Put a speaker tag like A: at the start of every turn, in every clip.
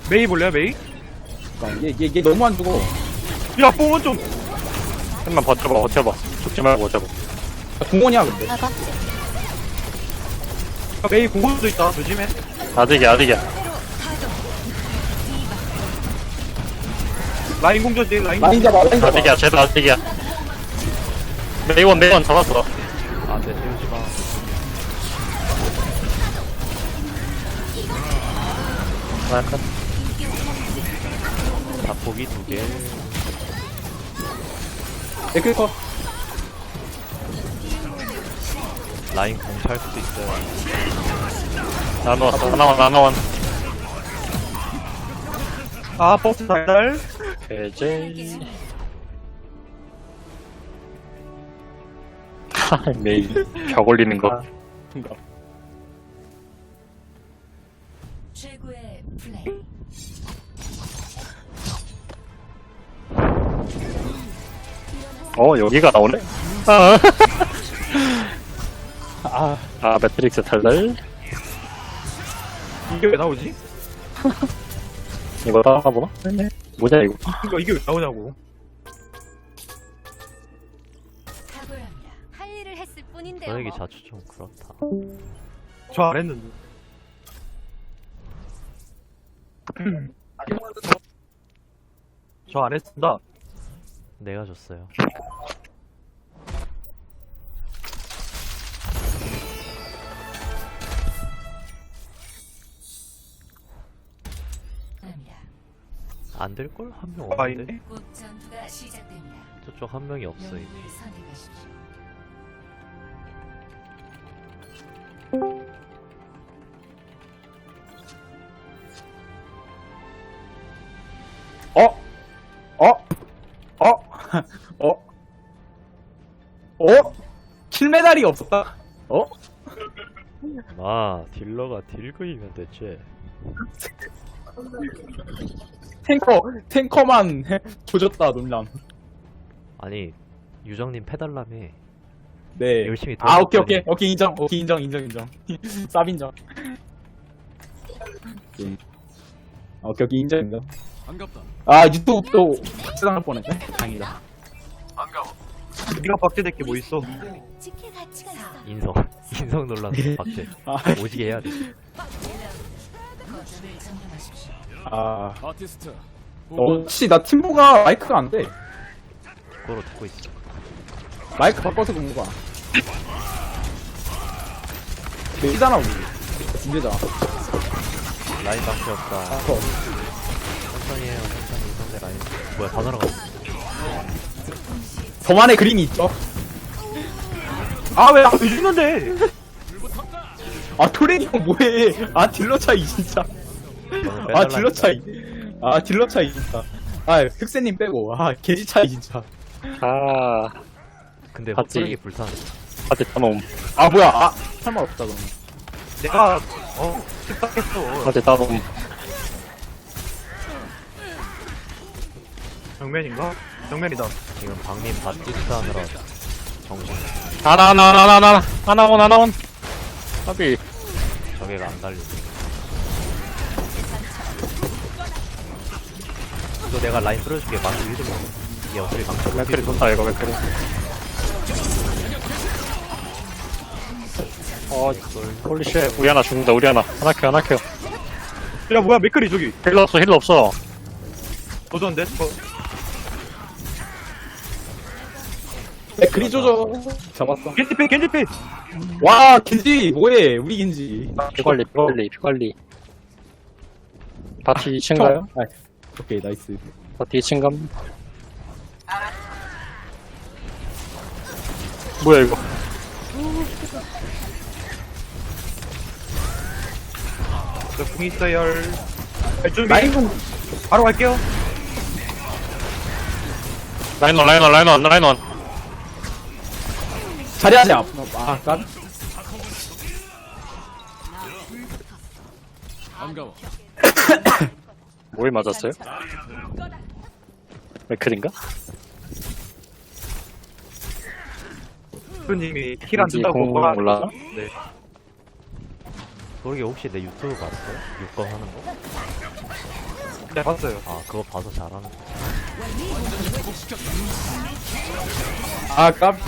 A: 메이 볼래요 메이?
B: 그러니까 얘 너무 안 죽어.
A: 야 뽕은 좀
C: 좀만 버텨봐. 죽지 말고 버텨봐.
B: 공원이야 근데.
D: 나가.
A: 메이 공격도 있다 조심해.
C: 아직이야.
A: 라인 공조지 라인.
B: 라인 잡아 라인 잡아.
C: 아직이야. 쟤도 아직이야. 메이원 잡았어.
E: 안돼 세우지마.
C: 약간
E: 자폭이 2개.
B: 에클커.
E: 라인 공찰 수도 있어요.
C: 나눠원.
A: 아 버스 달달.
C: 배제. 메이 벽 올리는 거.
F: 최고의 플레이.
C: 여기가 나오네. 매트릭스 탈달.
A: 이게 왜 나오지?
C: 이거 따라가보나? 뭐냐 이거?
A: 이게 왜 나오냐고.
F: 탁월합니다.
D: 할 일을 했을 뿐인데요.
E: 너에게
D: 뭐.
E: 자주 좀 그렇다.
A: 저 안 했는데. 저 안 했습니다.
E: 내가 줬어요.
F: 합니다.
E: 안 될걸? 한 명
A: 아
E: 없는데?
A: 있네.
F: 곧 전투가 시작됩니다.
E: 저쪽 한 명이 없어 이제.
F: 영웅을 선택하십시오.
B: 킬메달이 없었다.
E: 딜러가 딜그이면 됐지.
B: 탱커만 조졌다 논란.
E: 아니 유정님 패달람에
B: 네.
E: 열심히
B: 오케이 인정. 인정. 쌉 인정. 오케이 인정.
G: 반갑다.
B: 유튜브 또 박제당할 뻔했네. 다행이다.
A: 네가 박제될 게 뭐 있어?
D: 지킬 가치가 있어.
E: 인성 논란 박제.
B: 아,
E: 오지게 해야 돼.
F: 거점을 점령하십시오.
G: 아티스트.
B: 혹시 나 팀보가 마이크가 안 돼.
E: 그거로 듣고 있어.
B: 마이크 바꿔서 그런 거야. 되잖아 우리. 문제잖아.
E: 라인 방패 없다. 천천히 해요. 천천히 상대 라인. 뭐야 다 날아갔어.
B: 저만의 그림이 있죠.
A: 왜 죽는데?
B: 토레니 형 뭐해. 딜러 차이 진짜. 딜러 차이. 딜러 차이 진짜. 흑세님 빼고. 게지 차이 진짜.
E: 근데
C: 봤지?
E: 흑색이 불타네.
C: 아직 따놈.
B: 뭐야. 설마 없다 그러면.
A: 내가 습박했어.
C: 아직 따놈.
A: 정면인가? 정면이다.
E: 지금 방님 바티스트 하느라 정신.
C: 하나원. 아비.
E: 저게가 안 달려. 이거 내가 라인 끌어줄게. 망치 위로 먹어. 이게 어차피 망치
C: 맥크리 좋다 이거 맥크리. 홀리쉣. 우리 하나 죽는다. 하나 켜.
A: 야 뭐야 맥클이 저기.
C: 힐러 없어.
A: 도전데?
B: 그리 조져. 잡았어.
A: 겐지피.
B: 와 겐지 뭐해. 우리 겐지.
C: 피 관리. 바티 2층가요?
B: 오케이 나이스.
C: 바티 2층감. 뭐야 이거?
A: 저궁 있어요. 준비.
B: 라인은
A: 바로 갈게요.
C: 라인원.
B: 자리하자. 깐.
G: 반가워.
C: 뭐에 맞았어요? 맥클인가?
A: 님이 힐 안
C: 왠지
A: 준다고
C: 공
A: 뭐라
C: 올라가?
A: 네.
E: 그러게 혹시 내 유튜브 봤어요? 6건 하는 거?
A: 네, 봤어요.
E: 아 그거 봐서 잘하는.
B: 아 깜.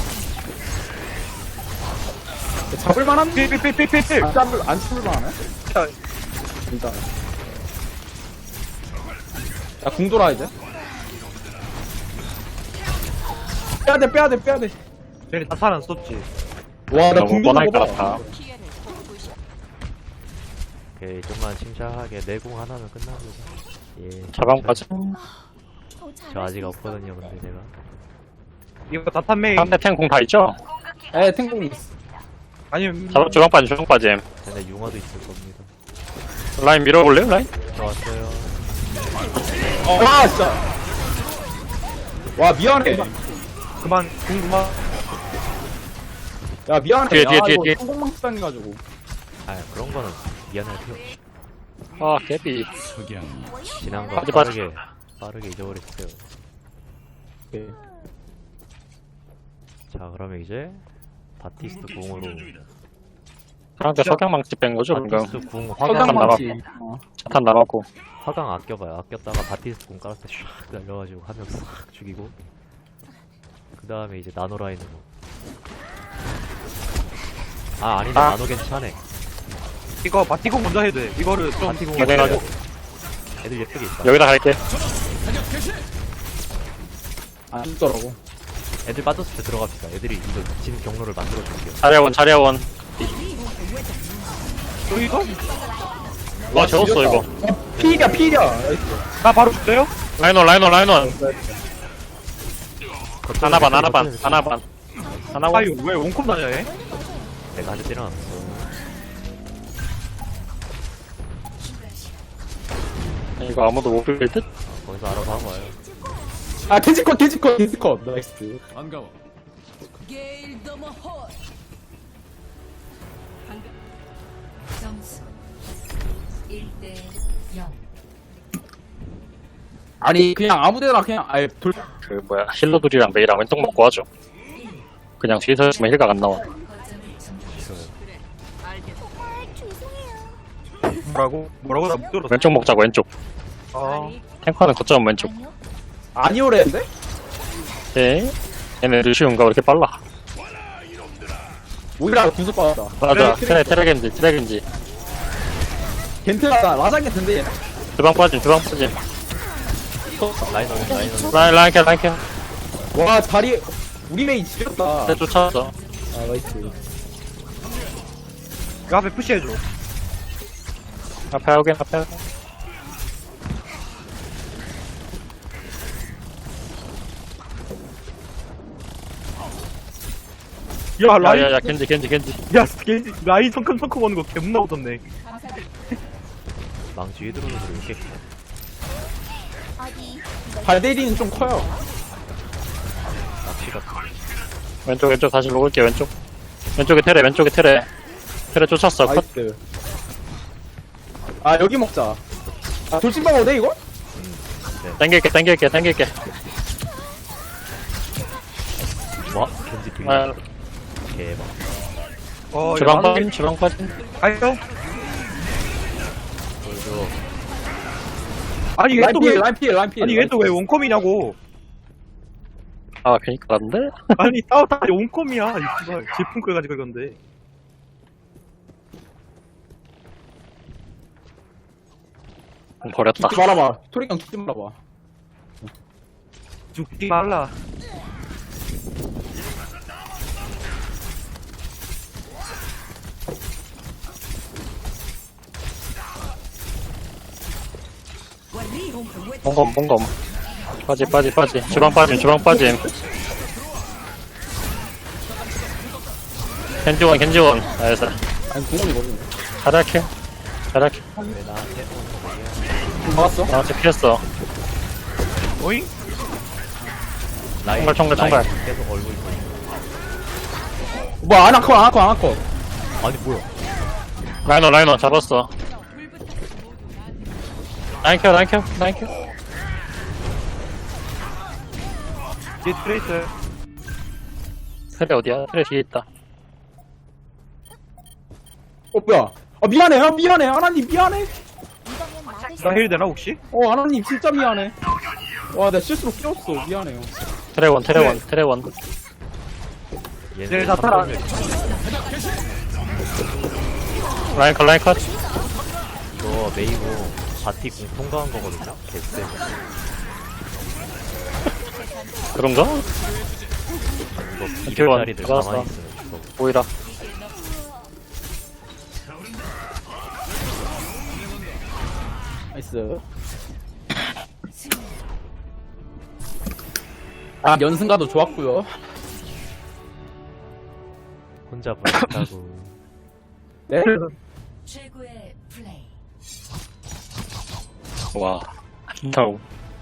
B: 잡을만한?
A: 필필필필필.
B: 안 잡을만하네? 일단. 야, 궁 돌아, 이제. 빼야돼.
A: 쟤네 다 살안 썼지.
B: 와, 나
C: 너무
B: 궁
C: 뻔할
B: 도는
C: 것
B: 거 봐.
C: 같아.
E: 오케이 좀만 침착하게 내공 하나면 끝납니다. 예.
C: 자방까지.
E: 저 아직 없거든요 근데 제가.
A: 이거 다탄 메이.
C: 상대 탱공 다 있죠?
B: 에, 탱공 있어.
A: 아니면
C: 주방 빠짐.
E: 쟤네 융화도 있을 겁니다.
C: 라인 밀어볼래요, 라인?
E: 들어왔어요.
B: 와, 진짜. 와, 미안해.
A: 그만 궁금한.
B: 야, 미안해.
C: 뒤에,
B: 아, 이거
C: 뒤에.
B: 성공망 당해가지고.
E: 아 그런 거는 미안할 필요 없이
C: 아, 개비.
E: 지난 거
C: 빠지.
E: 빠르게 잊어버렸어요.
B: 오케이.
E: 자 그러면 이제 바티스트 궁으로
C: 상대 석양망치 뺀 거죠, 방금.
E: 바티스트 궁 화강
B: 성공망치.
C: 차탄 남았고.
E: 화강 아껴봐요. 아꼈다가 바티스트 궁 깔았을 때 샥 날려가지고 한 명 싹 죽이고 그 다음에 이제 나노 라인으로. 아 아니네
C: 아.
E: 나노 괜찮네.
A: 이거 바티공 먼저 해도 돼. 이거를 좀
E: 바티공
C: 네, 네.
E: 애들 예쁘게 있다.
C: 여기다 갈게.
B: 안 죽더라고.
E: 애들 빠졌을 때 들어갑시다. 애들이 이거 진 경로를 만들어 줄게요.
C: 자리아원.
A: 또 이거?
C: 와, 재웠어, 이거.
B: 필이야.
A: 나 바로 죽어요?
C: 라인원. 하나반.
A: 아 이거 왜 원컵 나냐 얘?
E: 내가 한대 때려놨어.
C: 이거 아무도 못 빌 듯?
E: 거기서 알아서 하고 와요.
B: 아, 돼지컷. 나이스.
G: 반가워.
F: 점수 1대 0.
B: 아니, 그냥 아무데나 그냥, 아예 돌,
C: 그, 힐러들이랑 메이랑 왼쪽 먹고 하죠. 그냥 뒤에서 있으면 힐각 안 나와.
F: 거점을 점령하십시오.
A: 뭐라고 나 못 들었어.
C: 왼쪽 먹자고, 왼쪽.
A: 아
C: 탱커는 거점 왼쪽.
B: 아니오랬는데?
C: 예. 얘네 루시온가 왜 이렇게 빨라?
B: 오히려 구속 받았다.
C: 맞아.
B: 그래,
C: 트레겐지.
B: 겐트가 라장 겐트인데, 얘네.
C: 주방 빠짐.
E: 라인
C: 라인 캐.
B: 와, 다리, 우리 메이 지렸다.
C: 네, 쫓아왔어.
B: 아, 나이스.
A: 이거 앞에 푸시해줘.
C: 앞에 하긴.
A: 야 라인.
C: 야야야, 겐지.
A: 야 겐지 라인 성큼성큼 오는 거 개문나 오던데.
E: 망치 위에 들어오는 소리 이렇게
B: 발대리는 좀 커요.
E: 낚시가
C: 왼쪽 다시 먹을게, 왼쪽. 왼쪽에 테레. 테레 쫓았어. 컷.
B: 나이스. 아, 여기 먹자. 아, 돌진방 어때, 이거?
C: 당길게.
E: 와 겐지 뒤
C: 아,
E: 대박.
C: 주방 빠짐.
A: 가요?
E: 보여줘.
A: 아니 얘 또 왜?
B: 라인 피해.
A: 아니 얘 또 왜 원컴이냐고?
C: 아, 괜히 깔았는데?
A: 아니 싸우다 원컴이야. 이 씨발 제품 끄가지고 이건데.
C: 버렸다.
B: 죽지 말아봐. 토리강 죽지 말아봐.
A: 죽지 말라.
C: 봉검. 빠지. 주방 빠짐. 겐지원. 나이스.
B: 아니, 공원이 거든.
C: 자리아캐.
E: 왜 나한테
B: 막았어?
C: 나한테 피했어.
A: 오잉?
E: 라인
C: 총괄.
E: 라인 계속 얼굴 보이고.
B: 뭐야, 아나컷.
E: 아니 뭐야.
C: 라이너 잡았어. 라인 켜.
A: 뒤에 트레이스.
C: 테레 어디야? 테레 뒤에 있다.
B: 뭐야. 아, 미안해. 하나님, 미안해.
D: 이거면 막을
A: 나 힐 되나 혹시?
B: 아나님 진짜 미안해. 와, 나 실수로 끼웠어. 미안해요.
C: 테레원 테레원 테레원.
E: 얘네
A: 다 따라.
C: 라인 컷 라인 컷.
E: 이거 메이고 바티 공 통과한 거거든요. 개쎄.
C: 그런가?
E: 이거
C: 이태원
E: 200짜리들
C: 들어갔어.
E: 가만히 있으면 죽어.
C: 보이라.
B: 나이스. 연승가도 좋았고요.
E: 혼자 불렀다고.
B: 네?
F: 최고의 플레이.
C: 와. 진짜로.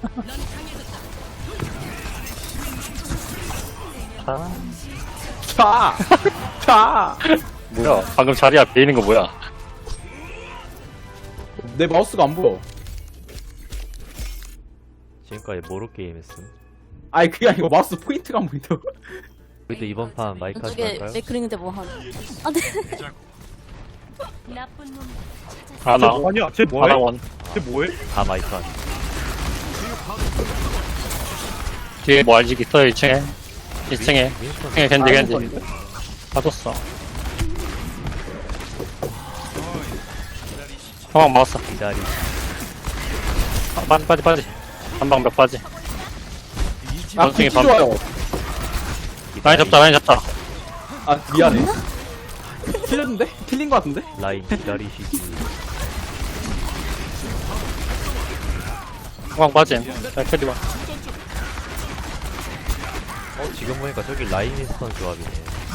B: 차! 차!
C: 뭐야? 방금 자리 앞에 있는 거 뭐야?
B: 내 마우스가 안 보여.
E: 지금까지 모로 게임 했음.
B: 아니, 그게 아니고 마우스 포인트가 안 보인다고.
E: 우리도 이번 판 마이크 하지
H: 저게
E: 말까요?
H: 맥크링인데 뭐 한. 아, 네.
D: 나쁜 놈
C: 하나.
A: 아니야 쟤 뭐해?
C: 하나원.
A: 쟤 뭐해?
E: 다 마이크 하지.
C: 뒤에 뭐 알지 있어요 2층에. 2층에.
E: 윈스턴
C: 2층에 겐지. 빠졌어. 형왕 막았어.
E: 기다리.
C: 빠지. 한방 몇 빠지. 원숭이
B: 굿즈 좋아요.
C: 라인 잡다.
B: 아, 미안해. 틀렸는데? 틀린 거 같은데?
E: 라인 기다리시지.
C: 형왕 빠짐. 자, 캐리와.
E: 지금 보니까 저기 라인 윈스턴 조합이네.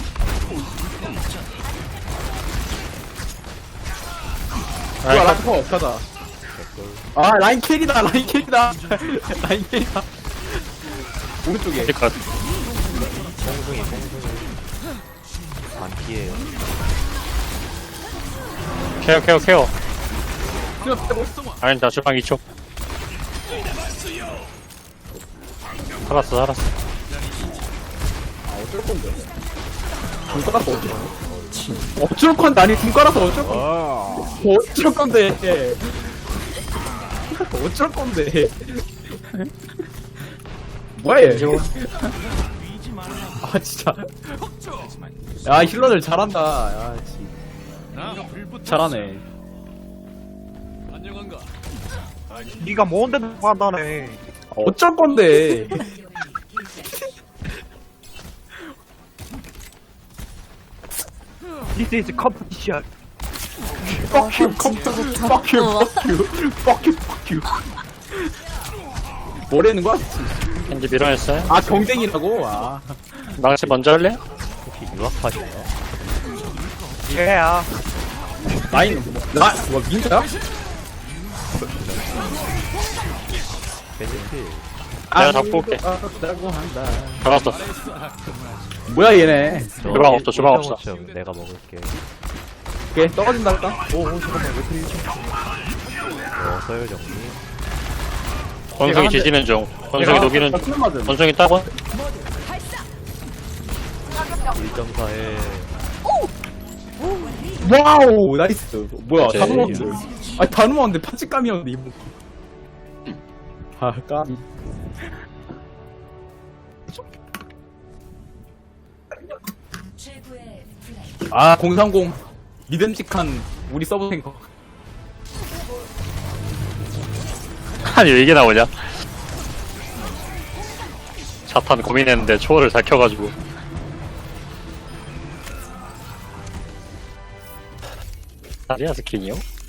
B: 뭐야,
C: 라인
B: 라인 커, 가자. 아, 라인 캐리다, 라인 캐리다. 라인 캐리다. 오른쪽에.
C: 컷.
E: 뽕숭이. 반피에요.
C: 케어.
B: 그냥 빼고 있어.
C: 아니다, 주방 2초. 살았어.
B: 아, 어쩔 건데. 돈 깔아서 어쩔 건데, 아니, 돈 깔아서 어쩔 건데. 어쩔 건데. 어쩔 건데. 뭐야, 얘. 아, 진짜. 야, 힐러들 잘한다. 야, 씨. 잘하네.
G: 안녕한가?
A: 니가 뭔데도 판단해.
B: 어쩔 건데.
A: This is competition.
B: Fuck you, fuck you. 뭐라는 거야?
C: 겐지 밀어냈어요.
B: 아, 경쟁이라고? 아.
C: 망치 먼저 할래?
E: 혹시 유학파시나요?
A: 얘야.
B: 라인, 뭐, 민자야?
E: 베네필.
C: 내가 잡고 올게.
B: 라고 한다.
C: 잡았어.
B: 뭐야, 얘네.
C: 주방 없어, 주방 없어.
E: 내가 먹을게.
B: 오케이, 떨어진다 할까?
A: 잠깐만 왜 그리
E: 서열 정리.
C: 원숭이 뒤지는 중. 원숭이 녹이는 중.
B: 맞음.
C: 원숭이 따고.
E: 1.4에
B: 와우, 나이스. 뭐야, 다
C: 오케이.
B: 넘었는데. 아니, 다 넘었는데, 파치감이었는데, 이거. 아, 까비.
F: 최고의 플레이.
B: 아, 030. 믿음직한 우리 서브 탱커.
C: 아니, 왜 이게 나오냐? 자탄 고민했는데 초월을 잘 켜가지고. 아니야, 스킨이요?